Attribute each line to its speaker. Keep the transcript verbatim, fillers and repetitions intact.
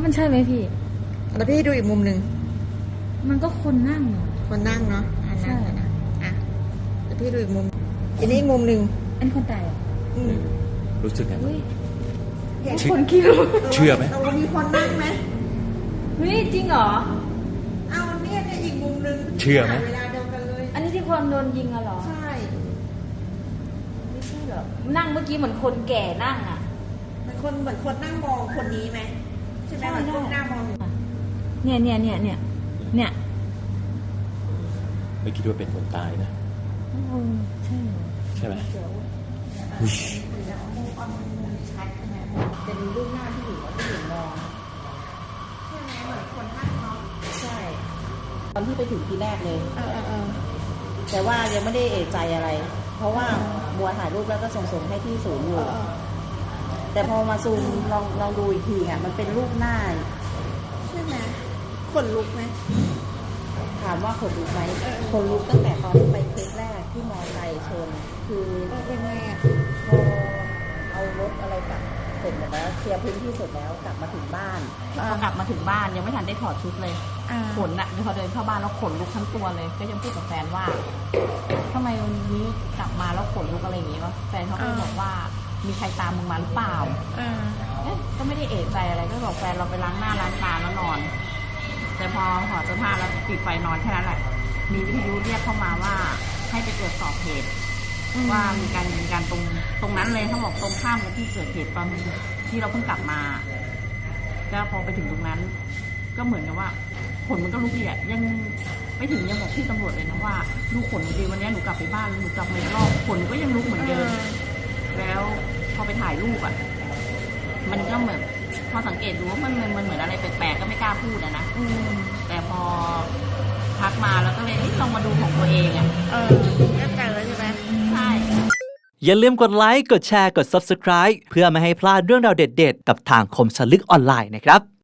Speaker 1: มันใช่ไหมพี่
Speaker 2: แล้วพี่ดูอีกมุมหนึ่ง
Speaker 1: มันก็คนนั่ง
Speaker 2: คนนั่งเนาะอ่านั่งนะอ่ะแล้วพี่ดูอีกมุมอันนี้อีกมุมหนึ่ง
Speaker 1: อันคนตายอ่ะ
Speaker 3: รู้สึกไงบ้าง
Speaker 1: คนคิด
Speaker 3: เชื่อไหม
Speaker 2: เรามีคนนั่งไหม
Speaker 1: เฮ้ยจริงเหรอ
Speaker 2: เอาเนี่ยเนี่ยอีกมุมหนึ่ง
Speaker 3: เชื่อไหม
Speaker 2: เวลาเดียวกันเลย
Speaker 1: อันนี้ที่คนโดนยิงอะเหรอ
Speaker 2: ใช่
Speaker 1: ไม่ใช่เหรอนั่งเมื่อกี้เหมือนคนแก่นั่งอ่ะ
Speaker 2: เหมือนคนเหมือนคนนั่งมองคนนี้ไหมใช่ไหมเหมือนคนนั่งมอง
Speaker 1: เนี่ยเนี่ยเนี่ยเนี่ยเนี่ย
Speaker 3: ไม่คิดว่าเป็นคนตายนะ
Speaker 1: ใช่
Speaker 3: ใช่ไหม
Speaker 1: เป็นรูปหน้าที่อยู่ว่าที่อยู่มอง
Speaker 2: ใช่ไหมเหมือนคนนั่งเนาะ
Speaker 1: ใช่ตอนที่ไปถึงทีแรกเลย
Speaker 2: เออเออ
Speaker 1: แต่ว่ายังไม่ได้เอะใจอะไรเพราะว่าบัวถ่ายรูปแล้วก็ส่งๆให้ที่ศูนย์อยู่แต่พอมาซูมลองลองดูอีกทีอ่ะมันเป็นรูปหน้า
Speaker 2: ใช่ไหมขนลุกไหม
Speaker 1: ถามว่าขนลุกไหมขนลุกตั้งแต่ตอนที่ไปเคสแรกที่มอไซค์ชนคือ
Speaker 2: เป็นไงอ่ะ
Speaker 1: พอเอารถอะไรกลับเสร็จหมดแล้วเคลียร์พื้นที่เสร็จแล้วกลับมาถึงบ้านพอกลับมาถึงบ้านยังไม่ทันได้ถอดชุดเลยขนอ่ะพอเดินเข้าบ้านแล้วขนลุกทั้งตัวเลยก็ยังพูดกับแฟนว่าทำไมวันนี้กลับมาแล้วขนลุกอะไรอย่างงี้วะแฟนเขาก็บอกว่ามีใครตามมึงมาหรือเปล่าเอ๊ะก็ไม่ได้เอะใจอะไรก็บอกแฟนเราไปล้างหน้าล้างตาแล้วนอนแต่พอถอดเสื้อผ้าแล้วปิดไฟนอนแค่นั้นแหละมีวิทยุเรียกเข้ามาว่าให้ไปตรวจสอบเหตุว่ามีการยิงกันตรงตรงนั้นเลยเขาบอกตรงข้ามกับที่เกิดเหตุตอนที่เราเพิ่งกลับมาก็พอไปถึงตรงนั้นก็เหมือนกับว่าขนมันก็ลุกอีกอ่ะยังไม่ถึงยังบอกที่ตำรวจเลยนะว่าดูขนดีวันนี้หนูกลับไปบ้านหนูกลับมาอีกรอบขนก็ยังลุกเหมือนเดิมแล้วพอไปถ่ายรูปอ่ะมันก็เหมือนพอสังเกตดูว่ามันมันเหมือนอะไรแปลกๆก็ไม่กล้าพูดอะนะแต่พอพักมาแล้วก็เลยลองมาดูของตัวเองอ่ะ
Speaker 2: เออแน่ใจแล้วใช่ไหม
Speaker 1: ใช่
Speaker 4: อย่าลืมกดไลค์กดแชร์กด ซับสไครบ์ เพื่อไม่ให้พลาดเรื่องราวเด็ดๆกับทางคมชลึกออนไลน์นะครับ